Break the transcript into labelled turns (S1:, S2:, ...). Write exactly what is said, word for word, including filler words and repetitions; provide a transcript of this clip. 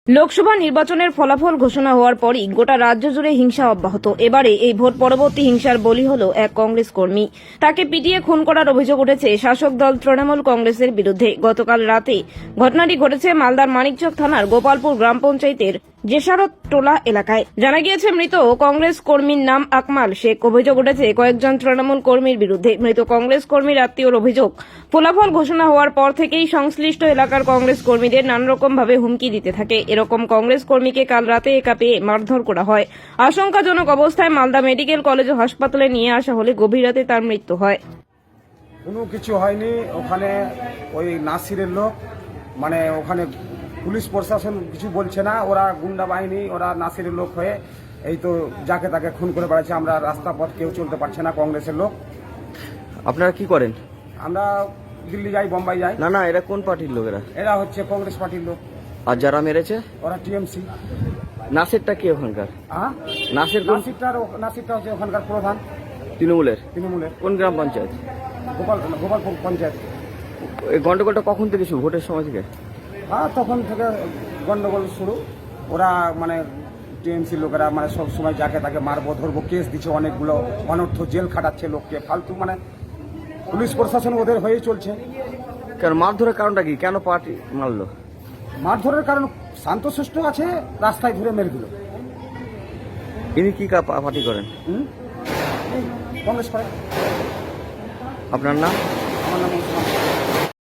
S1: লোকসভা নির্বাচনের ফলাফল ঘোষণা হওয়ার পরই গোটা রাজ্য জুড়ে হিংসা অব্যাহত। এবারে এই ভোট পরবর্তী হিংসার বলি হল এক কংগ্রেস কর্মী। তাকে পিটিয়ে খুন করার অভিযোগ উঠেছে শাসক দল তৃণমূল কংগ্রেসের বিরুদ্ধে। গতকাল রাতে ঘটনাটি ঘটেছে মালদার মানিকচক থানার গোপালপুর গ্রাম পঞ্চায়েতের জেসারত টোলা এলাকায়। জানা গিয়েছে মৃত কংগ্রেস কর্মীর নাম আকমাল শেখ। অভিযোগ উঠেছে কয়েকজন তৃণমূল কর্মীর বিরুদ্ধে। মৃত কংগ্রেস কর্মীর আত্মীয়র অভিযোগ, ফলাফল ঘোষণা হওয়ার পর থেকেই সংশ্লিষ্ট এলাকার কংগ্রেস কর্মীদের নানারকম ভাবে হুমকি দিতে থাকে। এরকম কংগ্রেস কর্মীকে কাল রাতে একা পেয়ে মারধর করা হয়। আশঙ্কাজনক অবস্থায় মালদা মেডিকেল কলেজ ও হাসপাতালে নিয়ে আসা হলে গভীর রাতে তার মৃত্যু হয়।
S2: কোনো কিছু হয়নি। ওখানে ওই নাসিরের লোক, মানে ওখানে পুলিশ প্রশাসন কিছু বলছে না, ওরা গুন্ডা বাহিনী, ওরা নাসিরের লোক হয়ে এই তো যাকে তাকে খুন করে বেড়াচ্ছে। আমরা রাস্তা পথ কেউ চলতে পারছে না। কংগ্রেসের লোক।
S3: আপনারা কি করেন?
S2: আমরা দিল্লি যাই, বোম্বাই যাই।
S3: না না, এরা কোন পার্টির লোকেরা?
S2: এরা হচ্ছে কংগ্রেস পার্টির লোক।
S3: আর যারা মেরেছে
S2: ওরা টিএমসি।
S3: নাসিরটা কি ওখানকার?
S2: হ্যাঁ,
S3: নাসির কোন?
S2: নাসিরটার নাসিরটা হচ্ছে ওখানকার প্রধান
S3: তৃণমূলের।
S2: তৃণমূলের
S3: কোন গ্রাম পঞ্চায়েত?
S2: গোপাল গোপালপুর পঞ্চায়েত।
S3: এই গন্ডগোলটা কখন থেকে শুরু? ভোটের সময় থেকে?
S2: হ্যাঁ, তখন থেকে গন্ডগোল শুরু। ওরা মানে টিএমসি লোকেরা মানে সব সময় যাকে তাকে মারবো ধরবো কেস দিচ্ছে, অনেকগুলো অনর্থ জেল খাটাচ্ছে লোককে ফালতু। মানে পুলিশ প্রশাসন ওদের হয়েই চলছে।
S3: কেন মারধরের কারণটা কি? কেন পার্টি মারলো?
S2: মারধরের কারণ শান্তশিষ্ট আছে, রাস্তায় ধরে মেরে দিল।
S3: ইনি কি কা- পার্টি করেন?
S2: হুম, কংগ্রেস করে।
S3: আপনার নাম?
S2: আমার নাম ওসমান।